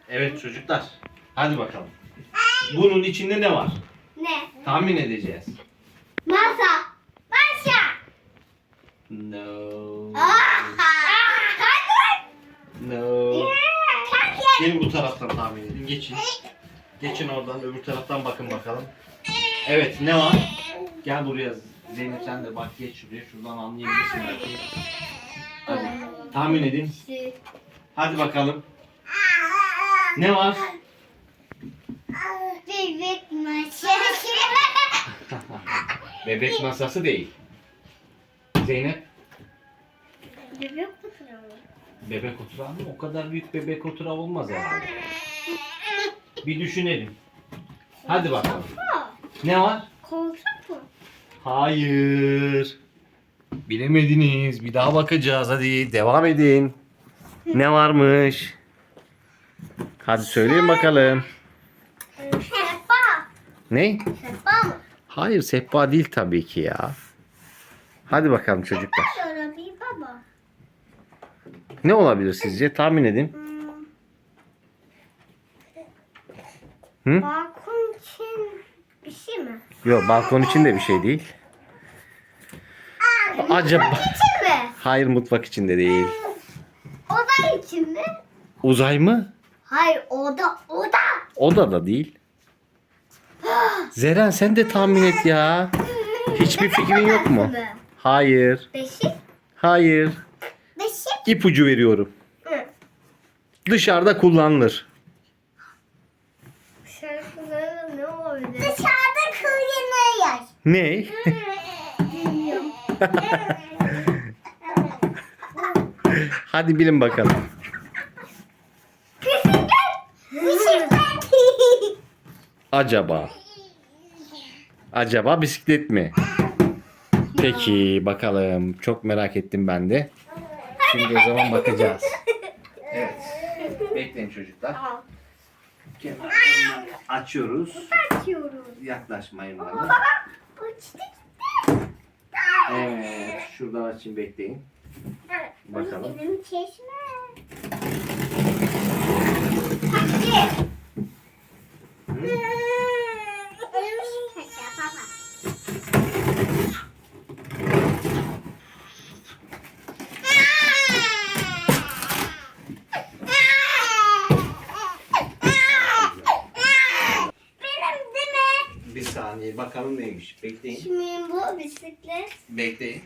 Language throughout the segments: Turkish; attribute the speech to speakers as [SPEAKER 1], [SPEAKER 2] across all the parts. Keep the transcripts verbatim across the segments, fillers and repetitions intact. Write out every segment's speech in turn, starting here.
[SPEAKER 1] Evet çocuklar. Hadi bakalım. Bunun içinde ne var?
[SPEAKER 2] Ne?
[SPEAKER 1] Tahmin edeceğiz.
[SPEAKER 2] Masa. Masa.
[SPEAKER 1] No.
[SPEAKER 2] Hadi.
[SPEAKER 1] No.
[SPEAKER 2] Hadi.
[SPEAKER 1] Gelin bu taraftan tahmin edin. Geçin. Geçin oradan öbür taraftan bakın bakalım. Evet ne var? Gel buraya Zeynep sen de bak geç şuraya. Şuradan anlayabilirsin belki. Hadi tahmin edin. Hadi bakalım. Ne var?
[SPEAKER 2] Bebek masası.
[SPEAKER 1] Bebek masası değil. Zeynep.
[SPEAKER 2] Bebek masası.
[SPEAKER 1] Bebek oturağı mı? O kadar büyük bebek oturağı olmaz herhalde. Bir düşünelim. Hadi bakalım. Ne var?
[SPEAKER 2] Koltuk mu?
[SPEAKER 1] Hayır. Bilemediniz. Bir daha bakacağız. Hadi devam edin. Ne varmış? Hadi söyleyin bakalım.
[SPEAKER 2] Sehpa.
[SPEAKER 1] Ne?
[SPEAKER 2] Sehpa mı?
[SPEAKER 1] Hayır sehpa değil tabii ki ya. Hadi bakalım çocuklar.
[SPEAKER 2] Sonra bir baba.
[SPEAKER 1] Ne olabilir sizce? Tahmin edin. Hı?
[SPEAKER 2] Balkon için bir şey mi?
[SPEAKER 1] Yok balkon için de bir şey değil. Acaba...
[SPEAKER 2] İçin mi?
[SPEAKER 1] Hayır mutfak için de değil.
[SPEAKER 2] Oda için mi?
[SPEAKER 1] Uzay mı?
[SPEAKER 2] Hayır oda oda.
[SPEAKER 1] Oda da değil. Zeren sen de tahmin et ya. Hiçbir fikrin yok mu? Hayır.
[SPEAKER 2] Beşik.
[SPEAKER 1] Hayır.
[SPEAKER 2] Beşik.
[SPEAKER 1] İpucu veriyorum.
[SPEAKER 2] Hı.
[SPEAKER 1] Dışarıda kullanılır.
[SPEAKER 2] Şarkıları ne olabilir? Dışarıda kullanılıyor.
[SPEAKER 1] Ne?
[SPEAKER 2] Bilmiyorum.
[SPEAKER 1] Hadi bilin bakalım.
[SPEAKER 2] Bisiklet. Bisiklet.
[SPEAKER 1] Acaba? Acaba bisiklet mi? Peki bakalım. Çok merak ettim ben de. Şimdi o zaman bakacağız. Evet. Bekleyin çocuklar.
[SPEAKER 2] Tamam.
[SPEAKER 1] Kenarlarını açıyoruz.
[SPEAKER 2] Açıyoruz.
[SPEAKER 1] Yaklaşmayın bana.
[SPEAKER 2] Baba. Bu çiçek.
[SPEAKER 1] Evet. Şuradan açayım bekleyin. Bakalım.
[SPEAKER 2] Benim çeşme. Taksi. Benim değil mi?
[SPEAKER 1] Bir saniye bakalım neymiş. Bekleyin.
[SPEAKER 2] Kimin bu bisiklet?
[SPEAKER 1] Bekleyin.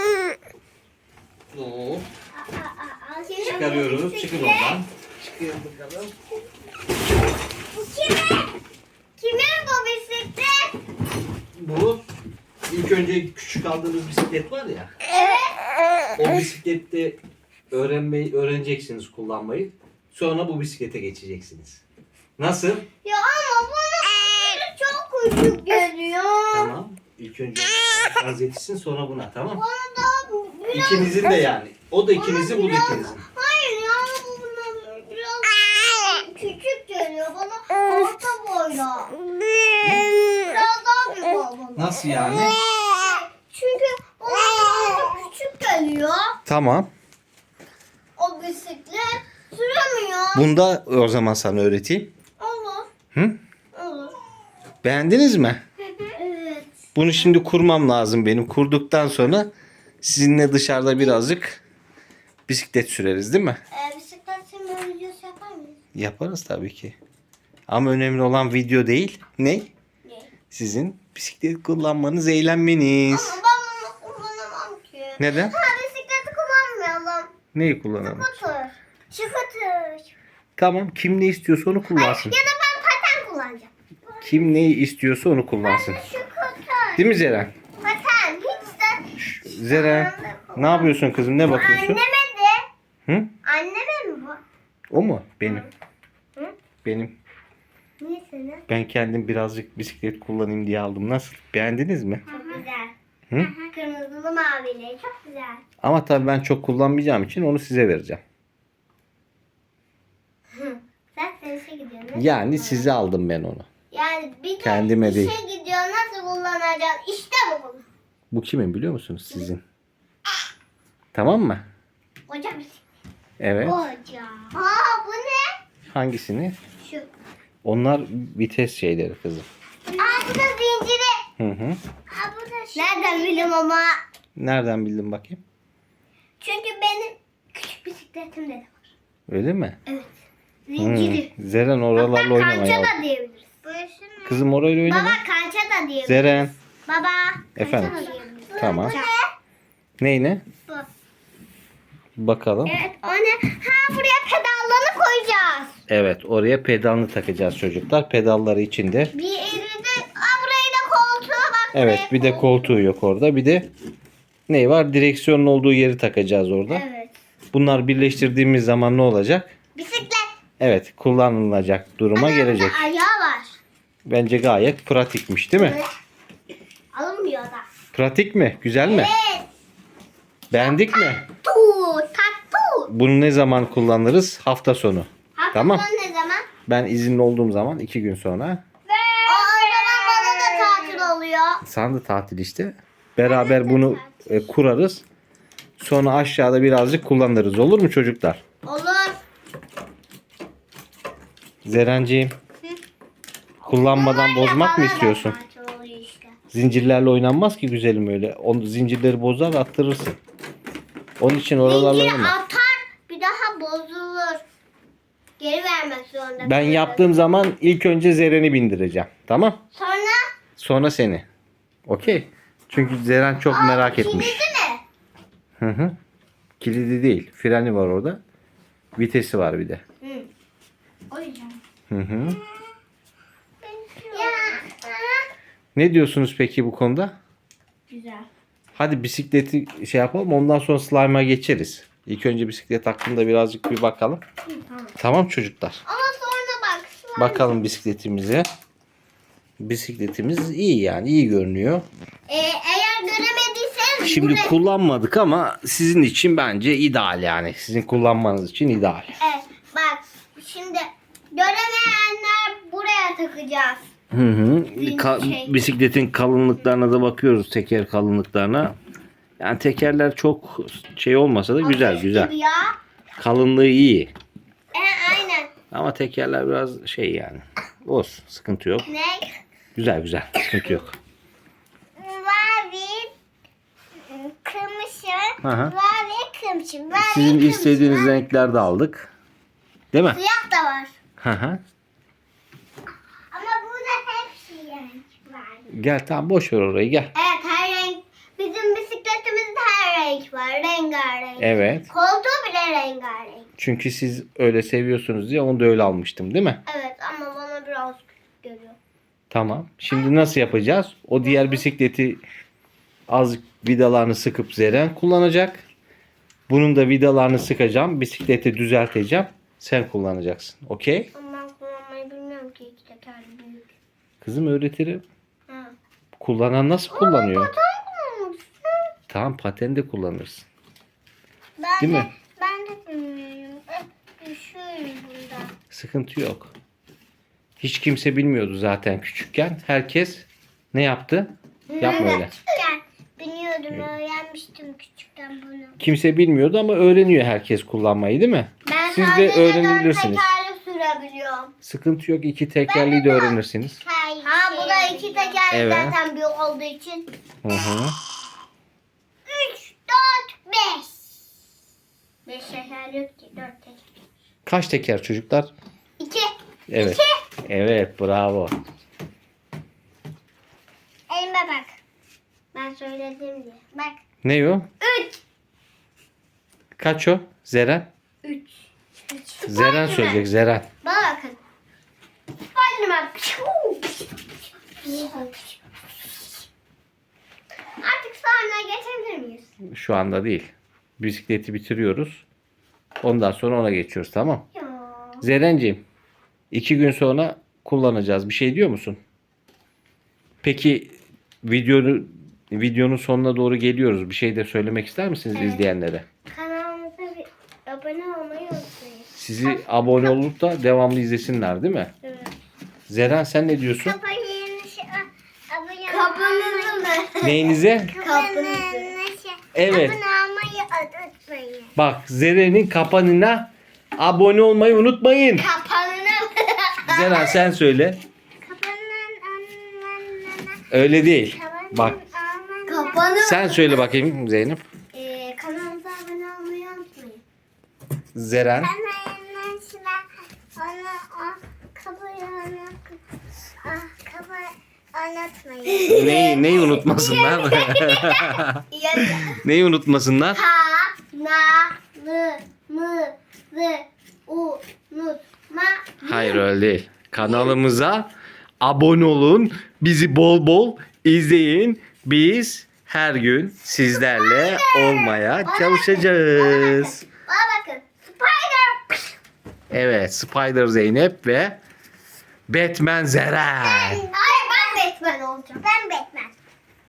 [SPEAKER 1] Oo.
[SPEAKER 2] Aa, aa, aa. Kimin bu
[SPEAKER 1] Çıkarıyoruz.
[SPEAKER 2] bisiklet?
[SPEAKER 1] Çıkın oradan. Çıkın bakalım.
[SPEAKER 2] Bu kimin? Kimin bu bisiklet?
[SPEAKER 1] Bu ilk önce küçük aldığınız bisiklet var ya.
[SPEAKER 2] Evet.
[SPEAKER 1] O bisiklette öğrenmeyi öğreneceksiniz kullanmayı. Sonra bu bisiklete geçeceksiniz. Nasıl?
[SPEAKER 2] Ya ama bana çok küçük geliyor.
[SPEAKER 1] Tamam. İlk önce şarj etsin sonra buna tamam.
[SPEAKER 2] Bana da biraz...
[SPEAKER 1] İkinizin de yani. O da ikinizin bu da
[SPEAKER 2] Biraz-
[SPEAKER 1] ikinizin.
[SPEAKER 2] Hayır ya bu bana biraz küçük geliyor. Bana orta boyla. Biraz daha büyük olmalı.
[SPEAKER 1] Nasıl yani?
[SPEAKER 2] Çünkü bana biraz da küçük geliyor.
[SPEAKER 1] Tamam.
[SPEAKER 2] O bisiklet süremiyor.
[SPEAKER 1] Bunda o zaman sana öğreteyim.
[SPEAKER 2] Olur.
[SPEAKER 1] Hı?
[SPEAKER 2] Olur.
[SPEAKER 1] Beğendiniz mi?
[SPEAKER 2] Evet.
[SPEAKER 1] Bunu şimdi kurmam lazım benim. Kurduktan sonra sizinle dışarıda birazcık bisiklet süreriz değil mi?
[SPEAKER 2] Ee, bisiklet sürme videosu yapar mıyız?
[SPEAKER 1] Yaparız tabii ki. Ama önemli olan video değil. Ne?
[SPEAKER 2] Ne?
[SPEAKER 1] Sizin bisiklet kullanmanız, eğlenmeniz.
[SPEAKER 2] Ama ben bunu kullanamam ki.
[SPEAKER 1] Neden?
[SPEAKER 2] Ha bisikleti kullanmayalım.
[SPEAKER 1] Neyi kullanalım?
[SPEAKER 2] Scooter. Scooter.
[SPEAKER 1] Tamam. Kim ne istiyorsa onu kullansın.
[SPEAKER 2] Ya da ben paten kullanacağım.
[SPEAKER 1] Kim neyi istiyorsa onu kullansın.
[SPEAKER 2] Scooter.
[SPEAKER 1] Değil mi Zeren?
[SPEAKER 2] Paten. Hiç de...
[SPEAKER 1] Zeren, ne yapıyorsun kızım? Ne bakıyorsun?
[SPEAKER 2] Anneme de.
[SPEAKER 1] Hı?
[SPEAKER 2] Anneme mi bu?
[SPEAKER 1] O mu? Benim.
[SPEAKER 2] Hı?
[SPEAKER 1] Benim.
[SPEAKER 2] Niye senin?
[SPEAKER 1] Ben kendim birazcık bisiklet kullanayım diye aldım. Nasıl? Beğendiniz mi?
[SPEAKER 2] Çok güzel.
[SPEAKER 1] Hı?
[SPEAKER 2] Kırmızılı mavili. Çok güzel.
[SPEAKER 1] Ama tabii ben çok kullanmayacağım için onu size vereceğim.
[SPEAKER 2] Sen sen işe gidiyorsun. nasıl
[SPEAKER 1] Yani
[SPEAKER 2] kullanacaksın?
[SPEAKER 1] size aldım ben onu.
[SPEAKER 2] Yani bir de
[SPEAKER 1] Kendime
[SPEAKER 2] işe
[SPEAKER 1] değil.
[SPEAKER 2] gidiyor nasıl kullanacaksın? İşte bu.
[SPEAKER 1] Bu kimin biliyor musunuz? Sizin. Tamam mı?
[SPEAKER 2] Koca bir
[SPEAKER 1] Evet.
[SPEAKER 2] Koca. Aa bu ne?
[SPEAKER 1] Hangisini?
[SPEAKER 2] Şu.
[SPEAKER 1] Onlar vites şeyleri kızım.
[SPEAKER 2] Aa bu da zinciri.
[SPEAKER 1] Hı hı.
[SPEAKER 2] Aa bu da şey. Nereden bildim ama?
[SPEAKER 1] Nereden bildin bakayım?
[SPEAKER 2] Çünkü benim küçük bisikletimde de var.
[SPEAKER 1] Öyle mi?
[SPEAKER 2] Evet.
[SPEAKER 1] Hmm.
[SPEAKER 2] Zinciri.
[SPEAKER 1] Zeren oralarla
[SPEAKER 2] Hatta
[SPEAKER 1] oynama
[SPEAKER 2] kança
[SPEAKER 1] ya.
[SPEAKER 2] da diyebiliriz.
[SPEAKER 1] Kızım orayla oynama.
[SPEAKER 2] Baba kança da diyebiliriz.
[SPEAKER 1] Zeren.
[SPEAKER 2] Baba.
[SPEAKER 1] Efendim?
[SPEAKER 2] Kança da diyebiliriz.
[SPEAKER 1] Tamam.
[SPEAKER 2] Bu ne?
[SPEAKER 1] Neyine?
[SPEAKER 2] Bu.
[SPEAKER 1] Bakalım.
[SPEAKER 2] Evet o ne? Ha buraya pedallarını koyacağız.
[SPEAKER 1] Evet, oraya pedalını takacağız çocuklar. Pedalları içinde.
[SPEAKER 2] Bir elinde. Aa burayı da koltuğa bak.
[SPEAKER 1] Evet,
[SPEAKER 2] buraya
[SPEAKER 1] bir de
[SPEAKER 2] koy.
[SPEAKER 1] koltuğu yok orada. Bir de ne var? Direksiyonun olduğu yeri takacağız orada.
[SPEAKER 2] Evet.
[SPEAKER 1] Bunlar birleştirdiğimiz zaman ne olacak?
[SPEAKER 2] Bisiklet.
[SPEAKER 1] Evet, kullanılacak duruma
[SPEAKER 2] Ana,
[SPEAKER 1] gelecek.
[SPEAKER 2] burada ayağı var.
[SPEAKER 1] Bence gayet pratikmiş, değil mi?
[SPEAKER 2] Evet. Alınmıyor da.
[SPEAKER 1] Pratik mi? Güzel mi?
[SPEAKER 2] Evet.
[SPEAKER 1] Beğendik mi?
[SPEAKER 2] Tu, tattu.
[SPEAKER 1] Bunu ne zaman kullanırız? Hafta sonu.
[SPEAKER 2] Hafta
[SPEAKER 1] Tamam.
[SPEAKER 2] sonu ne zaman?
[SPEAKER 1] Ben izinli olduğum zaman iki gün sonra.
[SPEAKER 2] O zaman bana da tatil oluyor.
[SPEAKER 1] Sana da tatil işte. Beraber bunu e, kurarız. Sonra aşağıda birazcık kullanırız. Olur mu çocuklar?
[SPEAKER 2] Olur.
[SPEAKER 1] Zerenciğim. Kullanmadan bozmak mı
[SPEAKER 2] Bana da
[SPEAKER 1] istiyorsun?
[SPEAKER 2] tatil oluyor işte.
[SPEAKER 1] Zincirlerle oynanmaz ki güzelim öyle. Onu zincirleri bozar attırırsın. Onun için oralarla
[SPEAKER 2] Zinciri
[SPEAKER 1] oynama.
[SPEAKER 2] atar bir daha bozulur. Geri vermek zorunda.
[SPEAKER 1] Ben
[SPEAKER 2] kalırız.
[SPEAKER 1] yaptığım zaman ilk önce Zeren'i bindireceğim. Tamam?
[SPEAKER 2] Sonra
[SPEAKER 1] Sonra seni. Okey. Çünkü Zeren çok
[SPEAKER 2] Aa,
[SPEAKER 1] merak etmiş.
[SPEAKER 2] kilidi mi?
[SPEAKER 1] Hı hı. Kilidi değil. Freni var orada. Vitesi var bir de.
[SPEAKER 2] Hı. O yüzden.
[SPEAKER 1] Hı hı.
[SPEAKER 2] Ya.
[SPEAKER 1] Ne diyorsunuz peki bu konuda?
[SPEAKER 2] Güzel.
[SPEAKER 1] Hadi bisikleti şey yapalım. Ondan sonra slime'a geçeriz. İlk önce bisiklet hakkında birazcık bir bakalım.
[SPEAKER 2] Tamam.
[SPEAKER 1] Tamam çocuklar.
[SPEAKER 2] Ama sonra bak. slime-
[SPEAKER 1] Bakalım bisikletimize. Bisikletimiz iyi yani. iyi görünüyor.
[SPEAKER 2] Ee, eğer göremediyseniz
[SPEAKER 1] Şimdi
[SPEAKER 2] buraya-
[SPEAKER 1] kullanmadık ama sizin için bence ideal yani. Sizin kullanmanız için ideal.
[SPEAKER 2] Evet, bak şimdi göremeyenler buraya takacağız.
[SPEAKER 1] Hı hı. Ka-
[SPEAKER 2] Şey.
[SPEAKER 1] bisikletin kalınlıklarına da bakıyoruz. Teker kalınlıklarına. Yani tekerler çok şey olmasa da güzel
[SPEAKER 2] Ateş
[SPEAKER 1] güzel.
[SPEAKER 2] gibi Ya.
[SPEAKER 1] Kalınlığı iyi.
[SPEAKER 2] E, aynen.
[SPEAKER 1] Ama tekerler biraz şey yani. Olsun. Sıkıntı yok.
[SPEAKER 2] Ne?
[SPEAKER 1] Güzel güzel. Sıkıntı yok.
[SPEAKER 2] Mavi, kırmızı,
[SPEAKER 1] Hı hı.
[SPEAKER 2] mavi, kırmızı, mavi,
[SPEAKER 1] Sizin
[SPEAKER 2] kırmızı.
[SPEAKER 1] istediğiniz renklerde aldık. Değil mi?
[SPEAKER 2] Siyah da var.
[SPEAKER 1] Hı hı.
[SPEAKER 2] Ama burada hepsi renk var.
[SPEAKER 1] Gel tamam boş ver orayı gel.
[SPEAKER 2] Evet her renk. Bizim bisikletimizde her renk var. Rengarenk.
[SPEAKER 1] Evet.
[SPEAKER 2] Koltuğu bile rengarenk.
[SPEAKER 1] Çünkü siz öyle seviyorsunuz diye onu da öyle almıştım değil mi?
[SPEAKER 2] Evet ama bana biraz küçük geliyor.
[SPEAKER 1] Tamam. Şimdi nasıl yapacağız? O diğer bisikleti azıcık vidalarını sıkıp Zeren kullanacak. Bunun da vidalarını sıkacağım. Bisikleti düzelteceğim. Sen kullanacaksın. Okey?
[SPEAKER 2] Ama ben kullanmayı bilmiyorum ki iki tekerli büyük.
[SPEAKER 1] Kızım öğretirim.
[SPEAKER 2] Ha.
[SPEAKER 1] Kullanan nasıl kullanıyor?
[SPEAKER 2] Paten kullanmışsın.
[SPEAKER 1] Tamam paten de kullanırsın.
[SPEAKER 2] Ben
[SPEAKER 1] Değil
[SPEAKER 2] de,
[SPEAKER 1] mi?
[SPEAKER 2] Ben de bilmiyorum. Hep düşüyorum bunda.
[SPEAKER 1] Sıkıntı yok. Hiç kimse bilmiyordu zaten küçükken. Herkes ne yaptı? Yapma öyle.
[SPEAKER 2] Küçükken biliyordum, öğrenmiştim küçükken bunu.
[SPEAKER 1] Kimse bilmiyordu ama öğreniyor herkes kullanmayı değil mi?
[SPEAKER 2] Ben
[SPEAKER 1] Siz de
[SPEAKER 2] sadece
[SPEAKER 1] öğrenebilirsiniz.
[SPEAKER 2] dört tekerli sürebiliyorum.
[SPEAKER 1] Sıkıntı yok. İki tekerleği de öğrenirsiniz.
[SPEAKER 2] Ha bu da iki tekerli
[SPEAKER 1] Evet.
[SPEAKER 2] zaten büyük olduğu için.
[SPEAKER 1] Hı hı.
[SPEAKER 2] Üç, dört, beş. Beş tekerli yok ki, dört tekerli.
[SPEAKER 1] Kaç teker çocuklar?
[SPEAKER 2] İki.
[SPEAKER 1] Evet. Evet bravo.
[SPEAKER 2] Elime bak. Ben söyledim diye. Bak.
[SPEAKER 1] Ne o?
[SPEAKER 2] Üç.
[SPEAKER 1] Kaç o? Zeren?
[SPEAKER 2] Üç. Üç.
[SPEAKER 1] Zeren söyleyecek Zeren.
[SPEAKER 2] Bana bakın. Spiderman. Artık sahneye geçebilir miyiz?
[SPEAKER 1] Şu anda değil. Bisikleti bitiriyoruz. Ondan sonra ona geçiyoruz tamam.
[SPEAKER 2] Ya.
[SPEAKER 1] Zerenciğim iki gün sonra kullanacağız. Bir şey diyor musun? Peki videonu videonun sonuna doğru geliyoruz. Bir şey de söylemek ister misiniz
[SPEAKER 2] Evet.
[SPEAKER 1] izleyenlere?
[SPEAKER 2] Kanalımıza bir abone olmayı unutmayın.
[SPEAKER 1] Sizi abone olup da devamlı izlesinler değil mi?
[SPEAKER 2] Evet.
[SPEAKER 1] Zeren sen ne diyorsun?
[SPEAKER 2] Kapınızı abone Kapınızı
[SPEAKER 1] Neyinize?
[SPEAKER 2] Kapınızı.
[SPEAKER 1] Evet.
[SPEAKER 2] Abone olmayı unutmayın.
[SPEAKER 1] Bak Zeren'in kapanına abone olmayı unutmayın.
[SPEAKER 2] Kapanızı
[SPEAKER 1] Zeren sen söyle. Öyle değil. Bak
[SPEAKER 2] Kapanın.
[SPEAKER 1] sen söyle bakayım Zeynep.
[SPEAKER 2] Ee, kanalımıza abone olmayı unutmayın.
[SPEAKER 1] Zeren.
[SPEAKER 2] Anlatmayın.
[SPEAKER 1] Neyi, neyi unutmasınlar? Neyi unutmasınlar?
[SPEAKER 2] Ha, na, lı, mı, zı, u, nut, ma.
[SPEAKER 1] Hayır öyle değil. Kanalımıza abone olun. Bizi bol bol izleyin. Biz her gün sizlerle olmaya çalışacağız.
[SPEAKER 2] Bana bakın. Spider.
[SPEAKER 1] Evet, Spider Zeynep ve Batman Zeren.
[SPEAKER 2] Hayır ben Batman olacağım. Ben